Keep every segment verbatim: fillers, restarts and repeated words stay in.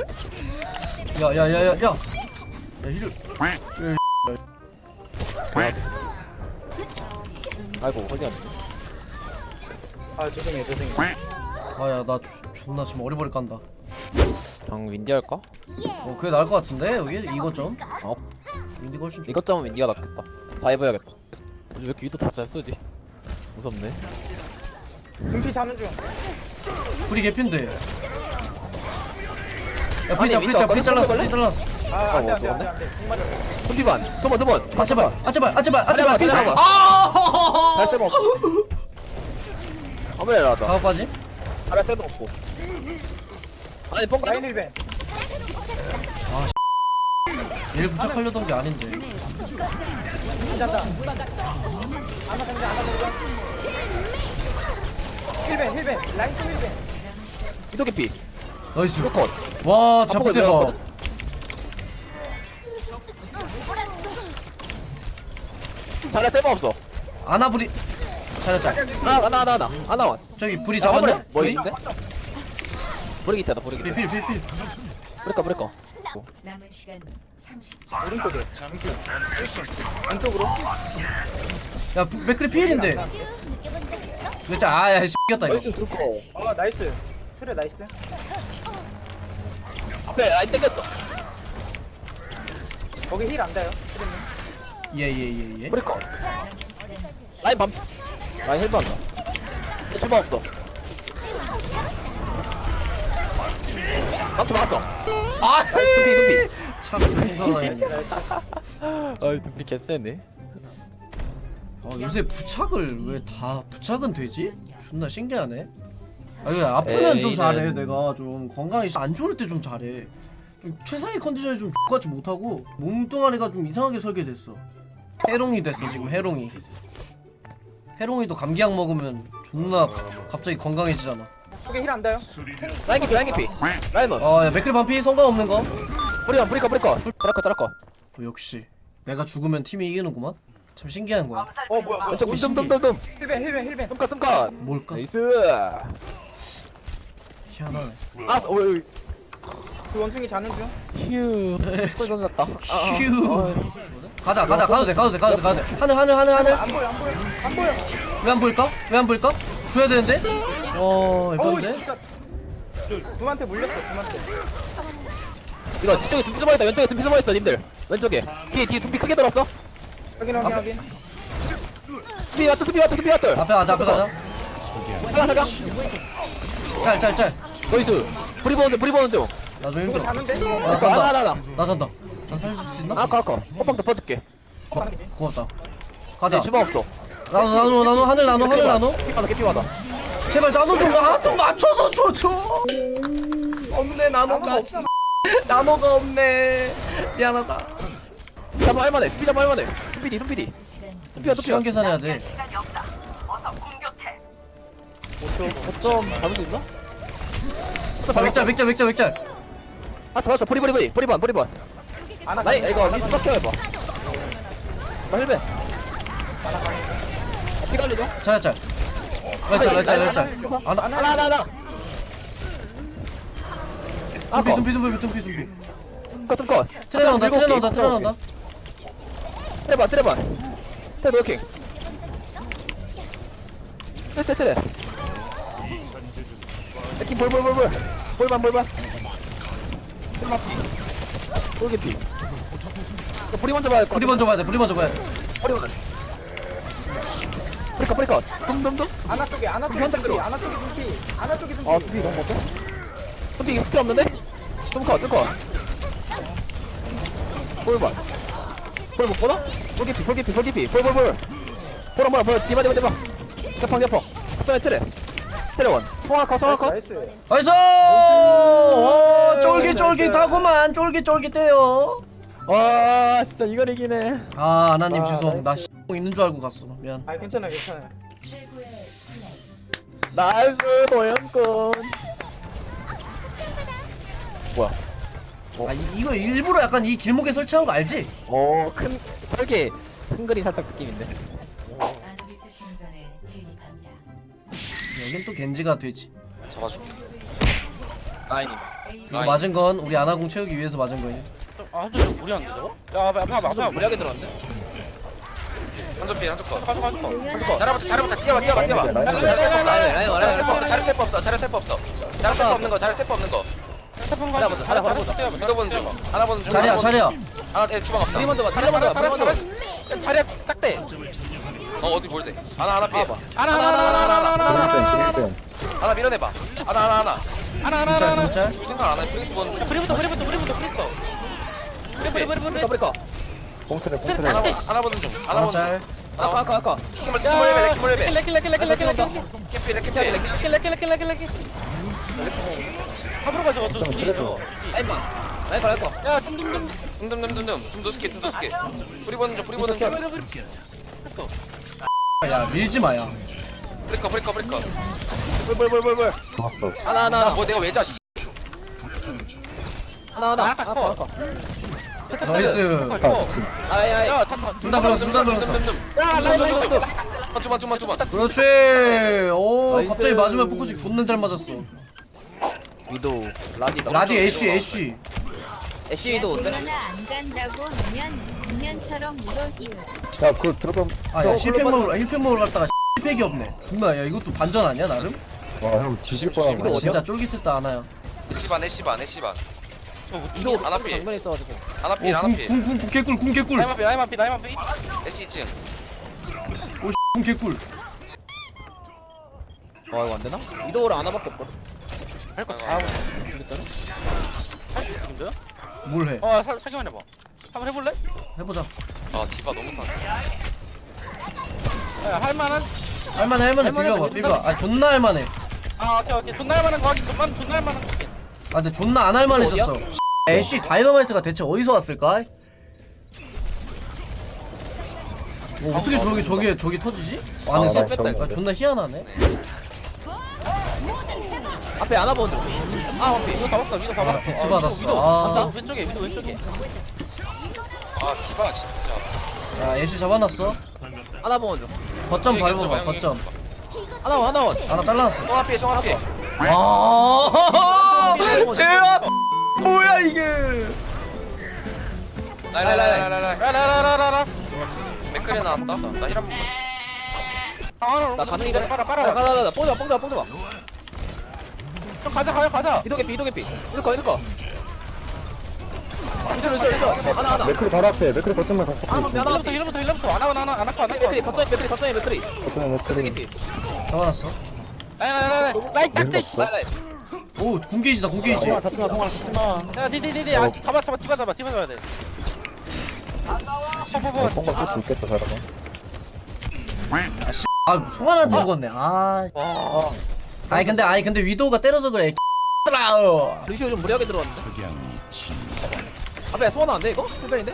야야야야야 야 힐을 아이고 허리 안 아 죄송해요 죄송해요. 아야 나 존나 지금 어리버리 깐다. 방 윈디 할까? 어 그게 나을 것 같은데 여기 이것 좀 어 윈디가 훨씬 좋. 이것 점은 윈디가 낫겠다. 다 해봐야겠다. 요즘 왜 이렇게 위도 다 잘 쓰지? 무섭네. 금피 자는 중. 불이 개핀데. 야 아니, 불이 윈디 잘 아까 불이 잘랐어 해볼래? 불이 잘랐어. 아 안돼 어, 안돼 안돼 뭐, 안돼. 공 맞았어. 손비반 두번 두번 아 제발 아 제발 아 제발 아 제발 피스. 잠깐만. 아. 잘 쓸모 없어. 아무리 나다. 다음까지. 잘할 쓸모 없고. 아니 뻥가. 라인 일벤. 얘를 부착하려던 게 아닌데. 잔다. 아나 상자 아나 상자. 힐벤 힐벤 라인 또 힐벤. 이도기 피. 나이스. 컷. 와 자폭대가. 잘할 쓸모 없어. 아나 불이. 잘했다. 하나 하나 하나 하나 하나 원. 저기 불이 잡았네. 뭐 불이? 있는데? 보리기 있다 보리기. 필 필 필 필. 브레까 브레까. 남은 시간 삼십 초. 오른쪽에. 왼쪽으로. 야 부- 맥크리 필인데. 그렇지 아야 X겼다 이거. 나이스 들고. 아 나이스. 트레 나이스. 앞에 라인 땡겼어. 거기 힐 안 닿아요. 트레님. 예예예 예. 브레까. 라인 밤. 라인 헬프 한다. 내 주방 없어. 막스 막았어. 아 둠피 둠피. 참 이상하네. 아이 둠피 개쎄네. 아 요새 부착을 왜 다 부착은 되지? 존나 신기하네. 아 이거 아프면 좀 에이는- 잘해. 내가 좀 건강이 안 좋을 때 좀 잘해. 좀 최상의 컨디션이 좀 X같이 못하고 몸뚱아리가 좀 이상하게 설계됐어. 해롱이 됐어 지금 해롱이. 해롱이도 감기약 먹으면 존나 갑자기 건강해지잖아. 거기 힐 안 닿아요. 라인 깊이 라인 깊이. 라인 원. 아야 맥크리 반피 성공 없는 거. 브리건 브리건 브리건. 자라커 자라커. 어, 역시 내가 죽으면 팀이 이기는구만. 참 신기한 거야. 어 뭐야 뭐야. 왼쪽 둠둠둠둠. 힐벤 힐벤 힐벤. tumka tumka. 뭘까? 나이스. 희한하네. 아, 어이. 그 원숭이 자는 중. 휴. 꼴 던졌다. 휴. 가자 가자 가도 돼 가도 돼 가도 돼 가도 돼. 하늘 하늘 하늘 하늘. 안 보여 안 보여 안 보여. 왜 안 보일까? 왜 안 보일까? 줘야 되는데? 어, 어우 예쁜데? 진짜. dum한테 물렸어 dum한테. 이거 뒤쪽에 둠피 숨어있다. 왼쪽에 둠피 숨어있어, 님들. 왼쪽에. 뒤에 뒤에 둠피 크게 돌았어. 확인 확인 확인. 둠피 왔다, 둠피 왔다, 둠피 왔다. 앞에 가자, 앞에 가자. 잠깐 잠깐. 짤, 짤, 짤. 나이스. 브리 보는 중, 브리 보는 중. 나 좀 누구 힘들어. 자는데? 나 하나 잔다. 하나 하나. 나 잔다. 나 살릴 수 있나? 아까 아까. 호빵 더 퍼줄게. 어, 고맙다. 네, 가자. 주방 없어. 나눠, 나눠, 나눠, 하늘 나눠, 하늘 나눠. 깨피하다, 깨피하다. 제발 나눠 좀, 아, 좀 맞춰서 줘, 줘. 없네, 나눠가. 없어. 나눠가 없네. 미안하다. 둠피 잡아 할만해. 둠피 잡아 할만해. 둠피디, 둠피디. 둠피야, 둠피야. 시간 계산해야 돼. 좀 잡을 수 있어? 아, 맥짤, 맥짤, 맥짤, 맥짤. 봤어, 봤어. 브리, 브리, 브리. 브리번, 브리번. 아나 나이, 이거 리스 박혀 해봐. 나 헬멧. 피 갈리죠? 짤, 짤. 맥짤, 맥짤, 맥짤. 아, 나, 하나, 하나, 하나. dum피, dum피, dum피, dum피, dum피. 컷, 컷. 트레 나온다, 트레 나온다, 트레 나온다. 트레반, 트레반. 트레 노킹. 트레, 트레, 트레. 느낌 볼, 볼, 볼, 볼. 볼반, 볼반. 볼반. 볼개피. 불이 먼저 봐야 할 것 불이 같아. 먼저 봐야 돼, 불이 먼저 봐야 돼. 불이 먼저. 브리컷, 브리컷. dumdumdum. 아나 쪽에 아나 쪽에 한대 dum피 들어. 아나 쪽에 dum피 아나 쪽에 dum피. 아, 둠피 너무 못해? 둠피 이거 스킬 없는데? 둠컷, 둠컷. 볼반. 볼못 보나? 볼개피, 볼개피, 볼개피. 볼, 볼, 볼. 볼 한번, 볼. 디바, 디바, 디바. 대펑, 대펑. 갑자기 트레. 트레원. 송화커, 송화커. 나이스. 나이스! 오, 쫄깃쫄깃하구만, 쫄깃쫄깃해요. 와, 진짜 이걸 이기네. 아, 아나님 아, 죄송. 나 나이스. X 있는 줄 알고 갔어. 미안. 아 괜찮아 괜찮아. 최고의 플레이. 나이스, 도연꾼. 뭐야? 아, 이, 이거 일부러 약간 이 길목에 설치한 거 알지? 어, 큰, 설계, 큰 그림 살짝 느낌인데. 아누비스 신전에 진입합니다. 여긴 또 겐지가 되지. 잡아줄게. 라인이. 이거 맞은 건 우리 아나공 채우기 위해서 맞은 거예요. 아 한쪽 좀 무리한데 저거? 야 앞에 앞에 앞에 앞에 좀 무리하게 들어왔네. 한쪽 피 한쪽 거. 가져 가져 가져 잘해보자 잘해보자 뛰어봐 뛰어봐 뛰어봐. 라인, 라인, 잘해 셀프 라인, 라인, 라인, 라인, 없어 잘해 셀프 없어 잘해 셀프 없어 잘해 셀프 없는 거 잘해 셀프 없는 거. 태풍 가자, 가자 가자, 가자 가자. 믿어 보는 중. 하나 보는 중. 자리야 자리야. 하나 에 주방 없다. 우리 먼저 봐. 자리 먼저 봐. 자리 먼저 봐. 자리야 딱대 어 어디 뭘 돼? 하나 하나 피. 봐봐. 하나 하나 하나 하나 하나 하나 하나 하나 밀어내봐. 하나 하나 하나. 하나 하나 짤 하나 짤. 생각 안 해. 프리스 보는 중. 브리부터 브리부터 브리부터 브리부터 브리 브리 브리 브리 더블까? 하나 하나 보는 중. 하나 하나 보는 중. 짤. 아까 아까 아까. 키몰 키몰 레벨 키몰 레벨. 렉 렉 렉 렉 렉 렉 캐피 레캐피. 렉렉렉렉렉렉 합으로 가져 좀 라인만. 라인 갈 거. 야 dumdumdum 둠둠둠둠둠 둠 도스케 둠 도스케. 프리 보는 중 프리 보는 중. 야 밀지 마야. 브리커 브리커 브리커. 볼볼볼볼볼. 하나 하나 하나. 뭐 내가 왜 자? 씨. 하나 하나. 하나 더 할까? 나이스. 아이 아이. 야 탄탄 둘 다 걸었어 둘 다 걸었어. 야 라인 라인 라인. 아 좀만 좀만 좀만. 그렇지. 오 나이스. 갑자기 맞으면 포커싱 존나 잘 맞았어. 위도 라디 라디 애쉬 애쉬. 애쉬 위도 어때? 코로나 안 간다고 하면 작년처럼 물어기요. 야, 그거 들어가. 아야 저 힐팩 글로 먹으러 힐팩 먹으러 갔다가 힐팩이 없네. 존나 야 이것도 반전 아니야 나름? 와, 형 뒤질 뻔한 아, 거야. 진짜 쫄깃했다 아나야. 애쉬반 애쉬반 애쉬반. 위도 하나 필. 장면에 있어가지고. 하나 필 하나 필. 오궁궁궁 개꿀 궁 개꿀. 라이만 피 라이만 피 라이만 피 애쉬 이 층. 궁 개꿀. 와 이거 안 되나? 위도를 하나밖에 없거든. 할거 다 하고 할수 있는데요? 뭘 해? 어 사, 사기만 해봐 한번 해볼래? 해보자. 아 디바 너무 상. 야 할만한 할만해 할만해 할만해, 비벼봐 존나 비벼. 아 존나 할만해. 아 오케이 오케이 존나 할만한 거 하긴 존나 존나 할만한 거 하긴 아 근데 존나 안 할만해졌어. 애쉬 다이너마이트가 대체 어디서 왔을까? 뭐 어떻게 저기 저기 저기 터지지? 안에서? 아, 나 저기 아, 존나 희한하네. 앞에 안아 보는. 아 원피. 이거 다 봤어 이거 다 아, 봤어 비트 어, 받았어. 위도, 위도. 아. 간다. 왼쪽에 위도 왼쪽에 아 디바 진짜. 야 애쉬 잡아놨어. 안아 보는. 거점 여기 껴줘봐, 밟아봐 여기 거점. 껴줘봐. 하나 원 하나 원. 하나 잘라놨어. 정 앞에 정 앞에. 와 제압 뭐야 이게? 라라라라라라. 라라라라라라 맥크리 나왔다. 나 힐한 번. 상황을 나 가능이래. 빨아 가자 빨아 가자 가자. 뽕자 뽕자 뽕자. 좀 가자 가자 가자 위도 개피 위도 개피. 위도 거 위도 거. 위도 위도 위도. 하나 하나. 맥클이 바로 앞에, 맥클이 거점만 갖고 하나 있어. 하나. 힐러부터 힐러부터 힐러부터 안 하고 안 하고 안 하고 안 맥크리 하고 거점 맥크리 거점에 맥크리. 거점에 맥클이. 개피. 잡아놨어. 라이라이라이 라이 딱대 씨. 라인 라인. 오 궁게이지다 궁게이지. 통화, 통화, 통화. 야 니니니니 아 잡아 잡아 뒤바 잡아 뒤바 잡아야 돼 뽀뽀뽀 통과 쓸수 있겠다, 잘하면. 아 송하나한테 죽었네. 아. 와 아니 근데 아니 근데 위도우가 때려서 그래. 들아. 루시오 좀 무리하게 들어왔는데. 앞에 소원 안 돼 이거? 풀변인데?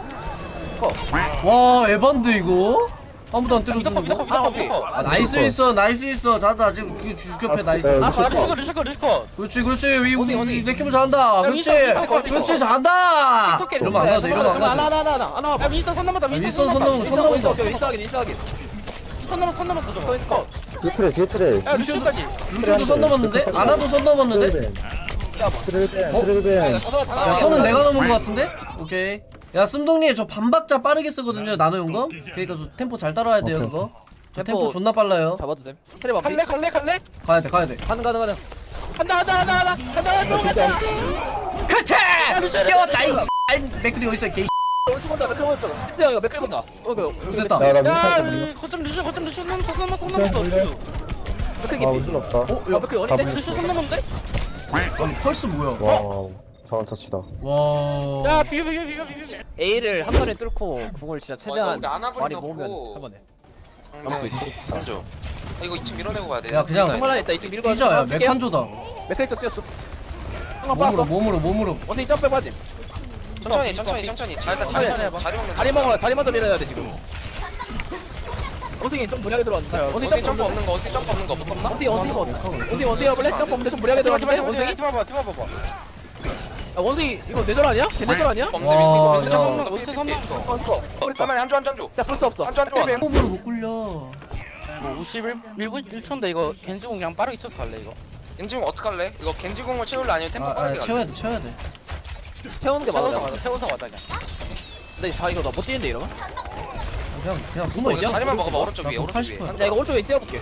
와 에반드 이거 아무도 안 미더커 때려주는 미더커 거. 미더커 아 나이스 있어 나이스 있어 자다 지금 그 주급해 나이스. 아, 아 루시오 루시커 루시커 루시커 그렇지 그렇지 위 어디, 어디? 우리 내키면 잘한다. 그렇지 윈스턴, 윈스턴, 그렇지 윈스턴. 잘한다. 윈스턴 이러면 안 가도 돼 이러면 안 하나 가도 돼. 하나 하나 하나 하나. 야 윈스턴 손 넘었다 윈스턴 윈스턴 손 넘어, 손 넘어 넘어. 오케이 인싸하긴 인싸하긴. 손 넘어 손 넘었어 저거 거기서 거. 뒤에 트레, 뒤에 트레. 야 루시오까지 루시오도 손 넘었는데 아나도 손 넘었는데. 트레벤, 야 트레벤. 이거 저거 다 야 손은 내가 넘은 거 같은데? 오케이. 야 씀동님 저 반박자 빠르게 쓰거든요 나노 용검. 그러니까 저 템포 잘 따라야 돼요 오케이. 그거. 저 템포 템포 존나 빨라요. 잡아주셈. 테레 봐. 갈래 갈래 갈래 가야 돼 가야 돼. 가능 가능 가능. 간다 간다 간다 간다 간다 간다 간다 그치! 깨웠다 이 아이 맥클이 어딨어 개. 오른쪽 본다 맥클 본다. 심지어 이거 맥클 본다. 어이구. 됐다. 야, 나 야 미사일 좀 거점 루시오 거점 루시오 넘었어 손 넘었어 손 루시오 넘었어 볼래? 루시오 맥클 아, 깊이. 운전 없다. 어? 아 야 맥클 어린데? 루시오 손 넘었는데? 아니 펄스 뭐야? 와우. 잘한 차치다. 와. 야 비벼 비벼 비벼 비벼 A를 한 번에 뚫고 궁을 진짜 최대한 이거 아나블리 많이 넣고. 모으면 한 번에. 상대 한조. 아 이거 이 층 밀어내고 가야 돼. 야 그냥 한 번에 있다 이쪽 밀고 피자야 갈게요. 맥한조다. 맥클 쪽 뛰었어. 한번 몸으로 빠졌어. 몸으로 몸으로. 어디 점프 빠짐. 천천히 천천히 천천히. 잘 자리 천천히 해봐. 자리 먹는. 자리 먹어 자리 먼저 밀어야 돼 지금. 원숭이 좀 무리하게 들어왔는데. 원숭이 원숭이 점프 점프 없는 없는 거 원숭이 점프 없는 거 못 없나? 원숭이 원숭이 뭐? 원숭이 원숭이 해볼래? 점프 없는데 좀 무리하게 디바 들어왔는데 디바 원숭이? 디바 봐봐 디바 봐봐 야 원숭이 이거 뇌절 아니야? 쟤 뇌절 아니야? 없는데 와, 민수 야. 민수 점프 없는 거 원숭이 손 삐삐. 넘었어 어 이거. 어, 잠깐만 한조 한조 한조. 야 플스 없어. 한조 한조 한. 몸으로 못 굴려. 뭐 오십일 일 분 일 초인데 이거 겐지공 그냥 빠르게 쳐서 갈래 이거 겐지공 어떡할래? 이거 겐지공을 채울래 아니면 템포 아, 빠르게 아 갈래? 채워야 돼 채워야 돼. 태우는 게 맞아. 태워서 가자 태워서 가자 그냥 근데 자 이거 나 못 뛰는데 이러면? 그냥 그냥 숨어 이거 있자. 자리만 먹어봐 오른쪽 위에 나 오른쪽 팔십 위에 퍼센트. 야 이거 오른쪽에 뛰어볼게.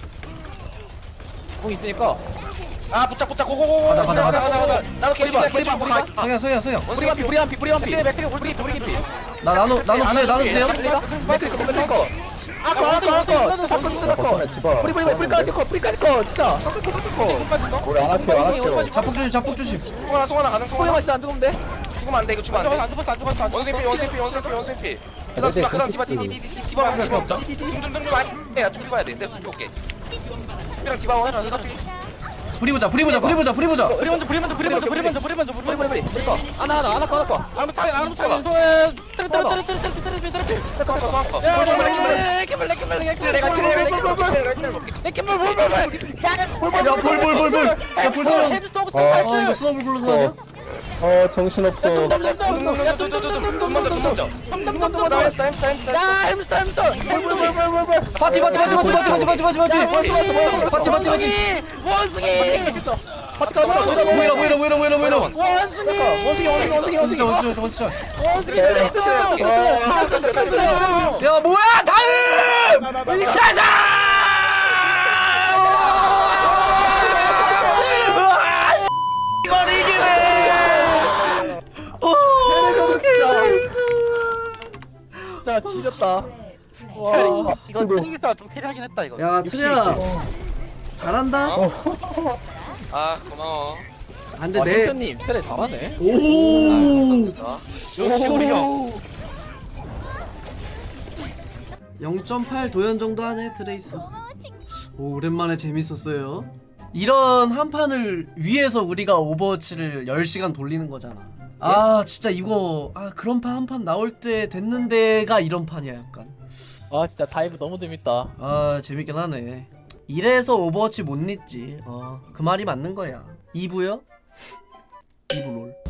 공 있으니까. 아 붙자 붙자 고고고고 가자, 가자, 가자. 가자 가자 나도 겐지 뿌리봐, 겐지 뿌리봐, 겐지 성현 성현 성현. 우리 한피 우리 한피 우리 한피. 맥크리 우리 우리 우리 나 나눠 나눠 주세요 나눠 주세요. 맥크리 거 맥크리 거. 아까 아까 아까 진짜 바꿔 진짜 바꿔. 거점에 집어. 뿌리 뿌리 뿌리까지 거 뿌리까지 거 진짜. 섞을 거 섞을 거. 우리 안 할게요 안 할게요. 자폭 조심 자폭 조심. 송하나 송하나 가능 송하나 꼬리만 진짜 안 죽으면 돼. 죽으면 안돼 이거 죽으면 안돼 안 죽었어 안 죽었어 안 죽었어 원세피 원세피 원세피 원세피 그다음 디바 그다음 디바 디디디디 디바 봐야 돼 둠둠둠둠 아야 좀 봐야 돼 내가 볼게 디바랑 디바 원 원세피 불이 보자 불이 보자 불이 보자 불이 보자. 우리 먼저 우리 먼저 우리 먼저 우리 먼저 우리 먼저 우리 뿌리 먼저 뿌리 뿌리 뿌리 거. 하나 하나 하나 거 하나 거. 아무 차이 아무 차이 소에 때려 때려 때려 때려 때려 때려 때려 어 송하나 야 깨물래 깨물래 깨물래 내가 트레 야 볼볼볼볼. 야 볼성현. 헤드 스톱 아, 어 스톱 이거 스노블 굴러서 아니야? 어 정신없어. 야 햄스터 햄스터 파티 파티 파티 파티 파티 파티 파티 파티 파티 파티 파티 파티. 원숭이 모이라 모이라 모이라 모이라 모이라. 원숭이 원숭이 원숭이 원숭이 원숭이. 원숭이 원숭이 원숭이. 원숭이 야 뭐야 다음. 가자. 이걸 이기네. 오 진짜 지렸다. 와 이거 트릭이사 좀 캐리하긴 했다 이거 야 트레야 잘한다. 아 고마워 안돼 와 내. 햄스터님 세례 잘하네. 오. 역시 우리 형 영 점 팔 도연 정도 하네 트레이스. 오 오랜만에 재밌었어요. 이런 한 판을 위해서 우리가 오버워치를 열 시간 돌리는 거잖아. 아 진짜 이거 아 그런 판 한 판 나올 때 됐는데가 이런 판이야 약간. 아 진짜 다이브 너무 재밌다. 아 재밌긴 하네. 이래서 오버워치 못 잊지. 어 그 말이 맞는 거야. 이 부요? 이 부 롤.